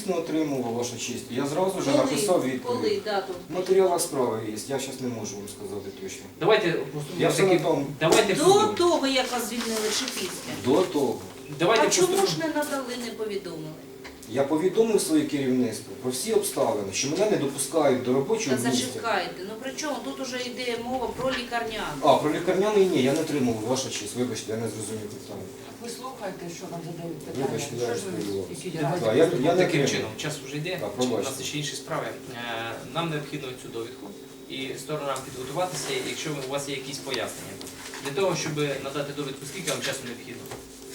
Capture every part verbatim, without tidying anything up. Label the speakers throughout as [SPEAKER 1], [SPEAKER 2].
[SPEAKER 1] дійсно отримував, ваша честь. Я зразу ж
[SPEAKER 2] Коли?
[SPEAKER 1] написав
[SPEAKER 2] Коли
[SPEAKER 1] відповідь.
[SPEAKER 2] дату?
[SPEAKER 1] В матеріалах справи є, я зараз не можу вам сказати точно.
[SPEAKER 3] Давайте
[SPEAKER 1] Я
[SPEAKER 3] поступимо
[SPEAKER 1] все на
[SPEAKER 3] таки.
[SPEAKER 1] тому.
[SPEAKER 3] Давайте
[SPEAKER 2] До
[SPEAKER 3] поступимо.
[SPEAKER 2] того, як вас звільнили, чи після?
[SPEAKER 1] До того.
[SPEAKER 3] Давайте
[SPEAKER 2] А чому
[SPEAKER 3] поступимо.
[SPEAKER 2] ж не надали, не повідомили?
[SPEAKER 1] Я повідомив своє керівництво про всі обставини, що мене не допускають до робочого
[SPEAKER 2] Та
[SPEAKER 1] місця.
[SPEAKER 2] зачекайте, ну при чому? Тут уже йде мова про лікарняну.
[SPEAKER 1] А, про лікарняний ні, я не отримав, ваша честь. Вибачте, я не зрозумів питання.
[SPEAKER 4] Ви слухайте, що вам задають питання.
[SPEAKER 1] Вибачте, я
[SPEAKER 4] Що ж ви
[SPEAKER 1] розповіла.
[SPEAKER 4] які
[SPEAKER 1] Так,
[SPEAKER 4] діла?
[SPEAKER 1] я, я не
[SPEAKER 3] Таким
[SPEAKER 1] отримав.
[SPEAKER 3] чином, час вже йде,
[SPEAKER 1] Так,
[SPEAKER 3] у
[SPEAKER 1] пробачте.
[SPEAKER 3] нас ще інші справи. Е, Нам необхідно цю довідку і сторонам підготуватися, якщо у вас є якісь пояснення. Для того, щоб надати довідку, скільки вам часу необхідно?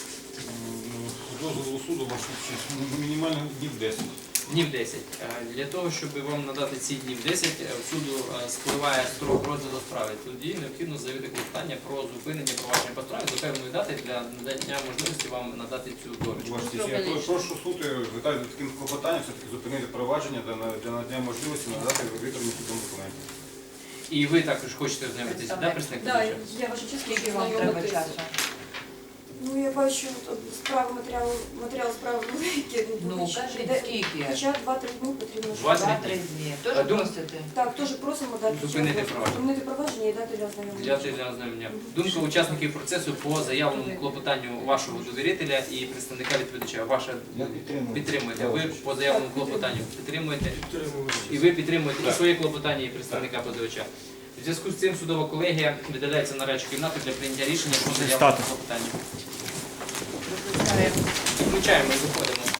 [SPEAKER 5] З дозволу суду, ваша честь, мінімально днів десять.
[SPEAKER 3] Днів десять. Е, Для того, щоб вам надати ці днів десять, е, в суду е, спливає строк розгляду справи. Тоді необхідно заявити клопотання про зупинення провадження по справі до певної дати для надання можливості вам надати цю довідку.
[SPEAKER 5] Ваша честь, я про- прошу суд звертати таким клопотанням, все-таки зупинити провадження для на- для надання можливості надати витримані судом документи.
[SPEAKER 3] І ви також хочете ознайомитися, да, представник?
[SPEAKER 6] Да,
[SPEAKER 3] позивача?
[SPEAKER 6] я ваша честь,
[SPEAKER 4] Скільки
[SPEAKER 6] хочу
[SPEAKER 4] вам треба
[SPEAKER 6] знайомитися.
[SPEAKER 4] часу?
[SPEAKER 6] Ну, я бачу, тут справи, матеріал, матеріал справи великі.
[SPEAKER 4] Ну,
[SPEAKER 6] хоч-
[SPEAKER 4] кажіть,
[SPEAKER 6] де-
[SPEAKER 4] скільки?
[SPEAKER 6] Хоча два-три дні потрібно. щоб-
[SPEAKER 3] Два-три
[SPEAKER 4] Два-три дні. Теж
[SPEAKER 3] А, дум-
[SPEAKER 4] просите?
[SPEAKER 6] Так, теж просимо дати
[SPEAKER 3] Зупинити
[SPEAKER 6] час-
[SPEAKER 3] провадження.
[SPEAKER 6] Зупинити провадження і дати для ознайомлення.
[SPEAKER 3] Взяти для ознайомлення. Думка учасників процесу по заявленому клопотанню вашого довірителя і представника відповідача. Ваша
[SPEAKER 1] Я підтримую.
[SPEAKER 3] підтримуєте.
[SPEAKER 1] Я
[SPEAKER 3] Ви
[SPEAKER 1] ваша
[SPEAKER 3] по заявленому клопотанню підтримуєте.
[SPEAKER 5] Підтримую.
[SPEAKER 3] І ви підтримуєте і своє клопотання, і представника позивача. У зв'язку з цим судова колегія видаляється на речу кімнату для прийняття рішення про заявленому клопотанню.
[SPEAKER 4] Викликаємо.
[SPEAKER 3] Включаємо і виходимо.